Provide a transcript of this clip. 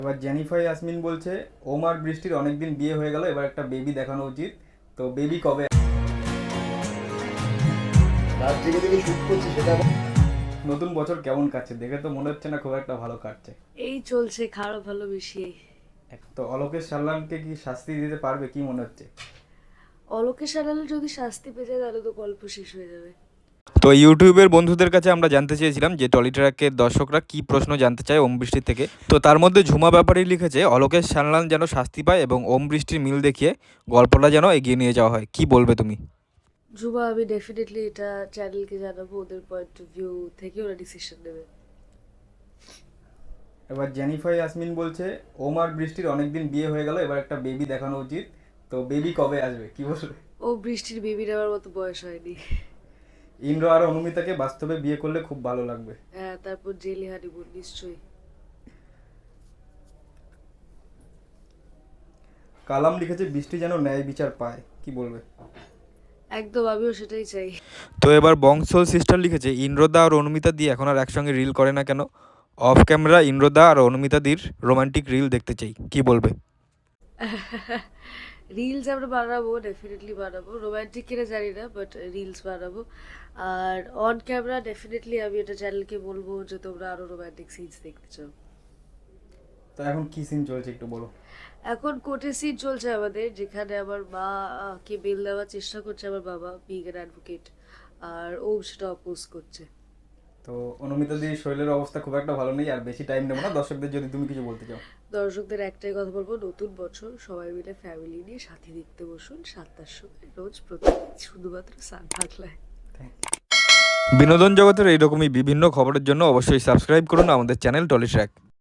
এবার জেনিফার ইয়াসমিন বলছে ওম আর বৃষ্টির অনেকদিন বিয়ে হয়ে গেল, এবার একটা বেবি দেখানো উচিত। তো বেবি কবে? রাত জেগে জেগে শুট করছি সেটা নতুন বছর কেমন কাটছে? দেখে তো মনে হচ্ছে না খুব একটা ভালো কাটছে। এই চলছে, খারাপ ভালো মিশিয়ে। তো অলোকেশ সাল্লামকে কি শাস্তি দিতে পারবে কি মনে হচ্ছে? অলোকেশ সানাল যদি শাস্তি পেয়ে যায় তাহলে তো গল্প শেষ হয়ে যাবে। তো ইউটিউবের বন্ধুদের কাছে আমরা জানতে চেয়েছিলাম যে টলিট্রাকের দর্শকরা কি প্রশ্ন জানতে চায় ওম বৃষ্টির থেকে। তো তার মধ্যে ঝুমা ব্যাপারী লিখেছে অলোকেশ সান্যাল যেন শাস্তি পায় এবং ওম বৃষ্টির মিল দেখিয়ে গল্পটা যেন এগিয়ে নিয়ে যাওয়া হয়। কি বলবে তুমি? যুবা, আমি ডেফিনেটলি এটা চ্যানেলকে জানাবো, ওদের পয়েন্ট অফ ভিউ থেকে ওরা ডিসিশন নেবে। এবার জেনিফার ইয়াসমিন বলছে ওম আর বৃষ্টির অনেকদিন বিয়ে হয়ে গেল, এবার একটা বেবি দেখানো উচিত। তো বেবি কবে আসবে কি বলবে? ও বৃষ্টির বেবি নেওয়ার মতো বয়স হয়নি। ইন্দ্র আর অনুমিতাকে বাস্তবে বিয়ে করলে খুব ভালো লাগবে। হ্যাঁ, তারপর জেলি হানিমুন নিশ্চয়ই। কালাম লিখেছে বৃষ্টি যেন ন্যায় বিচার পায়, কি বলবে? একদম, আমিও সেটাই চাই। তো এবার বংশল সিস্টার লিখেছে ইন্দ্রদা আর অনুমিতা দি এখন আর একসঙ্গে রিল করে না কেন? অফ ক্যামেরা ইন্দ্রদা আর অনুমিতা দির রোমান্টিক রিল দেখতে চাই। কি বলবে? রিলস আমরা বানাবো, ডেফিনেটলি বানাবো। রোম্যান্টিক কিনা জানি না, বাট রিলস বানাবো। আর অন ক্যামেরা ডেফিনেটলি আমি এটা চ্যানেলকে বলবো যে তোমরা আরো রোম্যান্টিক সিনস দেখতে চাও। তো এখন কি সিন চলছে একটু বলো। এখন কোর্টের সিন চলছে আমাদের, যেখানে আমার মা কে বেল দেওয়ার চেষ্টা করছে আমার বাবা, বিং অ্যান অ্যাডভোকেট, আর ও সেটা অপোজ করছে। তো অনুমিতা দির শরীরের অবস্থা খুব একটা ভালো নেই, আর বেশি টাইম নেবো না দর্শকদের, যদি তুমি কিছু বলতে চাও। দর্শকদের একটাই কথা বলবো, নতুন বছর সবাই মিলে ফ্যামিলি নিয়ে সাথে দেখতে বসুন 7টার সময় রোজ প্রতিদিন, শুধুমাত্র সান বাংলায়। বিনোদন জগতের এইরকমই বিভিন্ন খবরের জন্য অবশ্যই সাবস্ক্রাইব করুন আমাদের চ্যানেল টলিট্র্যাক।